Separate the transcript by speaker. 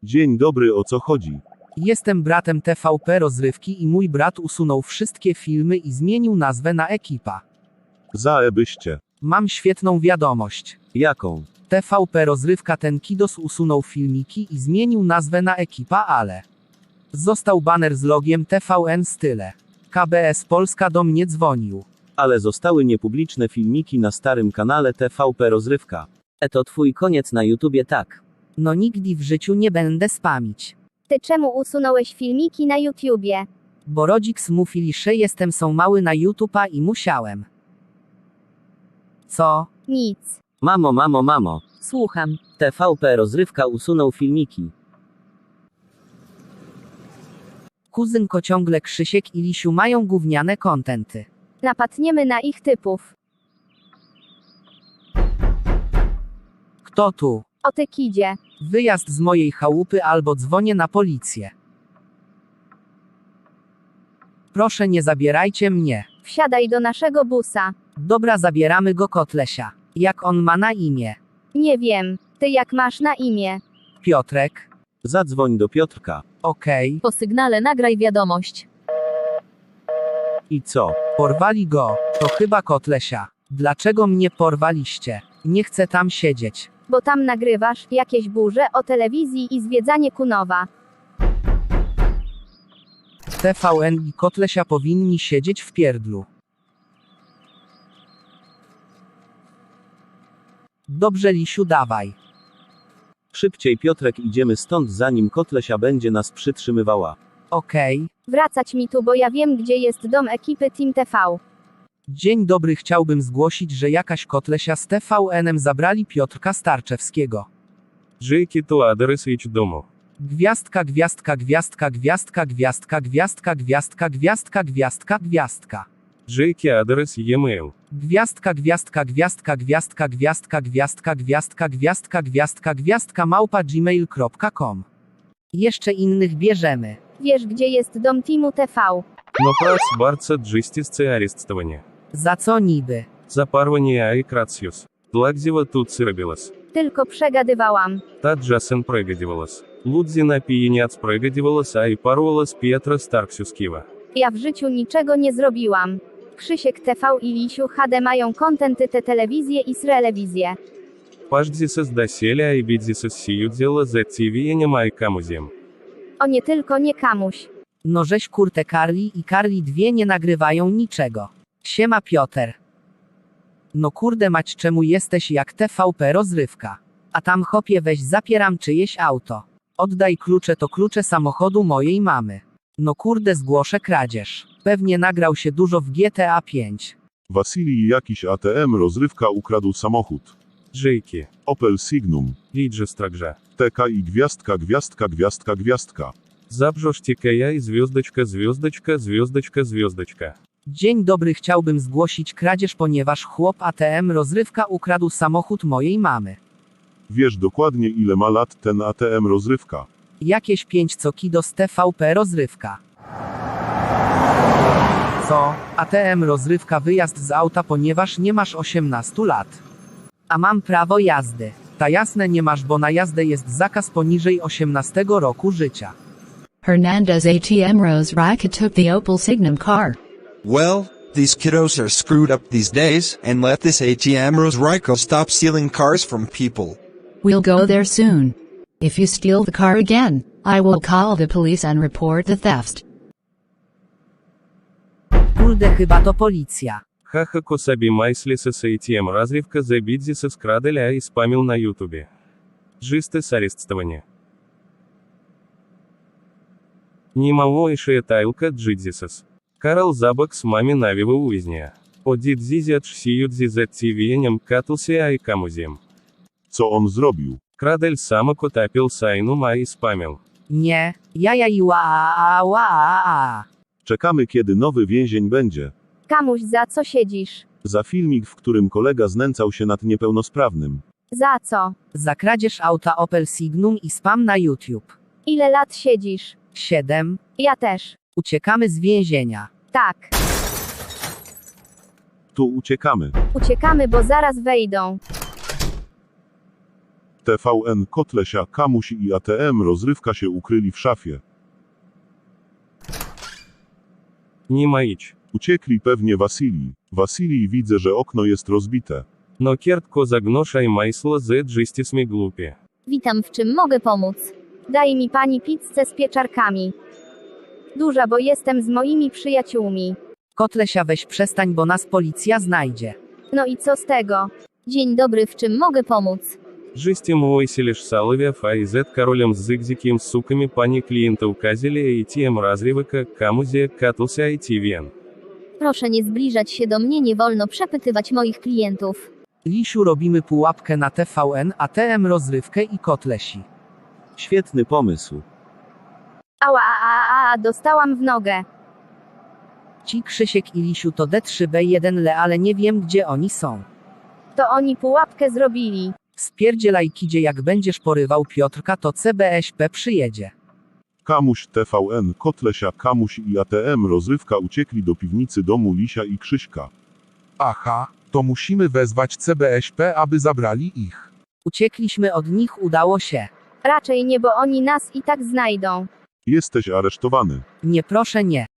Speaker 1: Dzień dobry, o co chodzi?
Speaker 2: Jestem bratem TVP Rozrywki i mój brat usunął wszystkie filmy i zmienił nazwę na Ekipa.
Speaker 1: Zaebyście.
Speaker 2: Mam świetną wiadomość.
Speaker 1: Jaką?
Speaker 2: TVP Rozrywka ten Kidos usunął filmiki i zmienił nazwę na Ekipa, ale został baner z logiem TVN Style. KBS Polska do mnie dzwonił.
Speaker 1: Ale zostały niepubliczne filmiki na starym kanale TVP Rozrywka.
Speaker 3: To twój koniec na YouTubie, tak.
Speaker 2: No nigdy w życiu nie będę spamić.
Speaker 4: Ty czemu usunąłeś filmiki na YouTubie?
Speaker 2: Bo rodzic mówili, że jestem są mały na YouTube'a i musiałem. Co?
Speaker 4: Nic.
Speaker 3: Mamo.
Speaker 4: Słucham.
Speaker 3: TVP Rozrywka usunął filmiki.
Speaker 2: Kuzynko ciągle Krzysiek i Lisiu mają gówniane kontenty.
Speaker 4: Napadniemy na ich typów.
Speaker 2: Kto tu?
Speaker 4: O ty kidzie.
Speaker 2: Wyjazd z mojej chałupy albo dzwonię na policję. Proszę nie zabierajcie mnie.
Speaker 4: Wsiadaj do naszego busa.
Speaker 2: Dobra, zabieramy go Kotlesia. Jak on ma na imię?
Speaker 4: Nie wiem. Ty jak masz na imię?
Speaker 2: Piotrek.
Speaker 1: Zadzwoń do Piotrka.
Speaker 2: Okej.
Speaker 4: Po sygnale nagraj wiadomość.
Speaker 1: I co?
Speaker 2: Porwali go. To chyba Kotlesia. Dlaczego mnie porwaliście? Nie chcę tam siedzieć.
Speaker 4: Bo tam nagrywasz jakieś burze o telewizji i zwiedzanie Kunowa.
Speaker 2: TVN i Kotlesia powinni siedzieć w pierdlu. Dobrze, Lisiu, dawaj.
Speaker 1: Szybciej, Piotrek, idziemy stąd, zanim Kotlesia będzie nas przytrzymywała.
Speaker 2: Okej.
Speaker 4: Wracać mi tu, bo ja wiem, gdzie jest dom ekipy Team TV.
Speaker 2: Dzień dobry, chciałbym zgłosić, że jakaś Kotlesia z TVN-em zabrali Piotrka Starczewskiego.
Speaker 5: Jaki to adres ich domu?
Speaker 2: Gwiazdka, gwiazdka, gwiazdka, gwiazdka, gwiazdka, gwiazdka, gwiazdka, gwiazdka, gwiazdka, gwiazdka.
Speaker 5: Jaki adres e-mail?
Speaker 2: Gwiazdka, gwiazdka, gwiazdka, gwiazdka, gwiazdka, gwiazdka, gwiazdka, gwiazdka, gwiazdka, gwiazdka, małpa gmail.com. Jeszcze innych bierzemy.
Speaker 4: Wiesz, gdzie jest dom Teamu TV?
Speaker 5: No prac bardzo джистисце арестование.
Speaker 2: Za co niby?
Speaker 5: За парвание и крациус. Длагдзева тут сырабилась.
Speaker 4: Tylko przegadywałam.
Speaker 5: Та Джасен прыгадивалась. Лудзина пиениац прыгадивалась, а и парвалась Пьетро Старксюскива.
Speaker 4: Ja w życiu niczego nie zrobiłam. Krzysiek TV i Lisiu HD mają kontenty te telewizje i srelewizje.
Speaker 5: Паждзисес доселя и бидзисес сию дела за тивиенем и камузем.
Speaker 4: O nie tylko nie kamuś.
Speaker 2: No żeś kurte Karli i Karli dwie nie nagrywają niczego. Siema Piotr. No kurde mać, czemu jesteś jak TVP Rozrywka? A tam chopie, weź zapieram czyjeś auto. Oddaj klucze, to klucze samochodu mojej mamy. No kurde, zgłoszę kradzież. Pewnie nagrał się dużo w GTA 5.
Speaker 6: Wasilii jakiś ATM Rozrywka ukradł samochód.
Speaker 5: Джейки.
Speaker 6: Opel Signum.
Speaker 5: Лиджестракжа.
Speaker 6: TK i gwiazdka, gwiazdka, gwiazdka, gwiazdka.
Speaker 5: Забжоштикая и звездочка, звездочка, звездочка, звездочка.
Speaker 2: Dzień dobry, chciałbym zgłosić kradzież, ponieważ chłop ATM Rozrywka ukradł samochód mojej mamy.
Speaker 6: Wiesz dokładnie ile ma lat ten ATM Rozrywka.
Speaker 2: Jakieś 5 cokido z TVP Rozrywka. Co? ATM Rozrywka, wyjazd z auta, ponieważ nie masz 18 lat. A mam prawo jazdy. Ta jasne nie masz, bo na jazdę jest zakaz poniżej 18 roku życia.
Speaker 7: Hernandez ATM Rose Rika took the Opel Signum car.
Speaker 8: Well, these kiddos are screwed up these days, and let this ATM Rose Rico stop stealing cars from people.
Speaker 7: We'll go there soon. If you steal the car again, I will call the police and report the theft.
Speaker 2: Kurde, chyba to policja.
Speaker 5: Хаха Косаби Майслисес ATM Разривка за бидзисес краделя и спамил на ютубе. Джистес арестование. Нимаоишая тайлка джидзисес. Карл Забак с мами навива уизния. Одит зизят шсиют зизет тивиенем катался ай камузем.
Speaker 6: Co on zrobił?
Speaker 5: Крадель сама котапил сайну ма и спамил.
Speaker 2: Nie, jaja i ła.
Speaker 1: Czekamy, kiedy nowy więzień będzie.
Speaker 4: Kamuś, za co siedzisz?
Speaker 1: Za filmik, w którym kolega znęcał się nad niepełnosprawnym.
Speaker 4: Za co?
Speaker 2: Za kradzież auta Opel Signum i spam na YouTube.
Speaker 4: Ile lat siedzisz?
Speaker 2: 7.
Speaker 4: Ja też.
Speaker 2: Uciekamy z więzienia.
Speaker 4: Tak.
Speaker 1: Tu uciekamy.
Speaker 4: Uciekamy, bo zaraz wejdą.
Speaker 6: TVN, Kotlesia, Kamuś i ATM Rozrywka się ukryli w szafie.
Speaker 5: Nie ma idź.
Speaker 6: Uciekli pewnie Wasilii. Wasilii, widzę, że okno jest rozbite.
Speaker 5: No kiertko zagnosza i majsło z dżystismi głupie.
Speaker 4: Witam, w czym mogę pomóc? Daj mi pani pizzę z pieczarkami. Duża, bo jestem z moimi przyjaciółmi.
Speaker 2: Kotlesia, weź przestań, bo nas policja znajdzie.
Speaker 4: No i co z tego? Dzień dobry, w czym mogę pomóc?
Speaker 5: Жестим Войселиш Саловев, а из королем с зигзиким суками пани клиента указили ATM разрывка, Камузе, Катуса и TVN.
Speaker 4: Proszę nie zbliżać się do mnie, nie wolno przepytywać moich klientów.
Speaker 2: Lisiu, robimy pułapkę na TVN, ATM Rozrywkę i Kotlesi.
Speaker 1: Świetny pomysł.
Speaker 4: Ała, dostałam w nogę.
Speaker 2: Ci Krzysiek i Lisiu to D3B1 ale nie wiem, gdzie oni są.
Speaker 4: To oni pułapkę zrobili.
Speaker 2: Spierdzielaj, kidzie, jak będziesz porywał Piotrka, to CBŚP przyjedzie.
Speaker 6: Kamuś, TVN, Kotlesia, Kamuś i ATM Rozrywka uciekli do piwnicy domu Lisia i Krzyśka.
Speaker 9: Aha, to musimy wezwać CBŚP, aby zabrali ich.
Speaker 2: Uciekliśmy od nich, udało się.
Speaker 4: Raczej nie, bo oni nas i tak znajdą.
Speaker 6: Jesteś aresztowany.
Speaker 2: Nie, proszę, nie.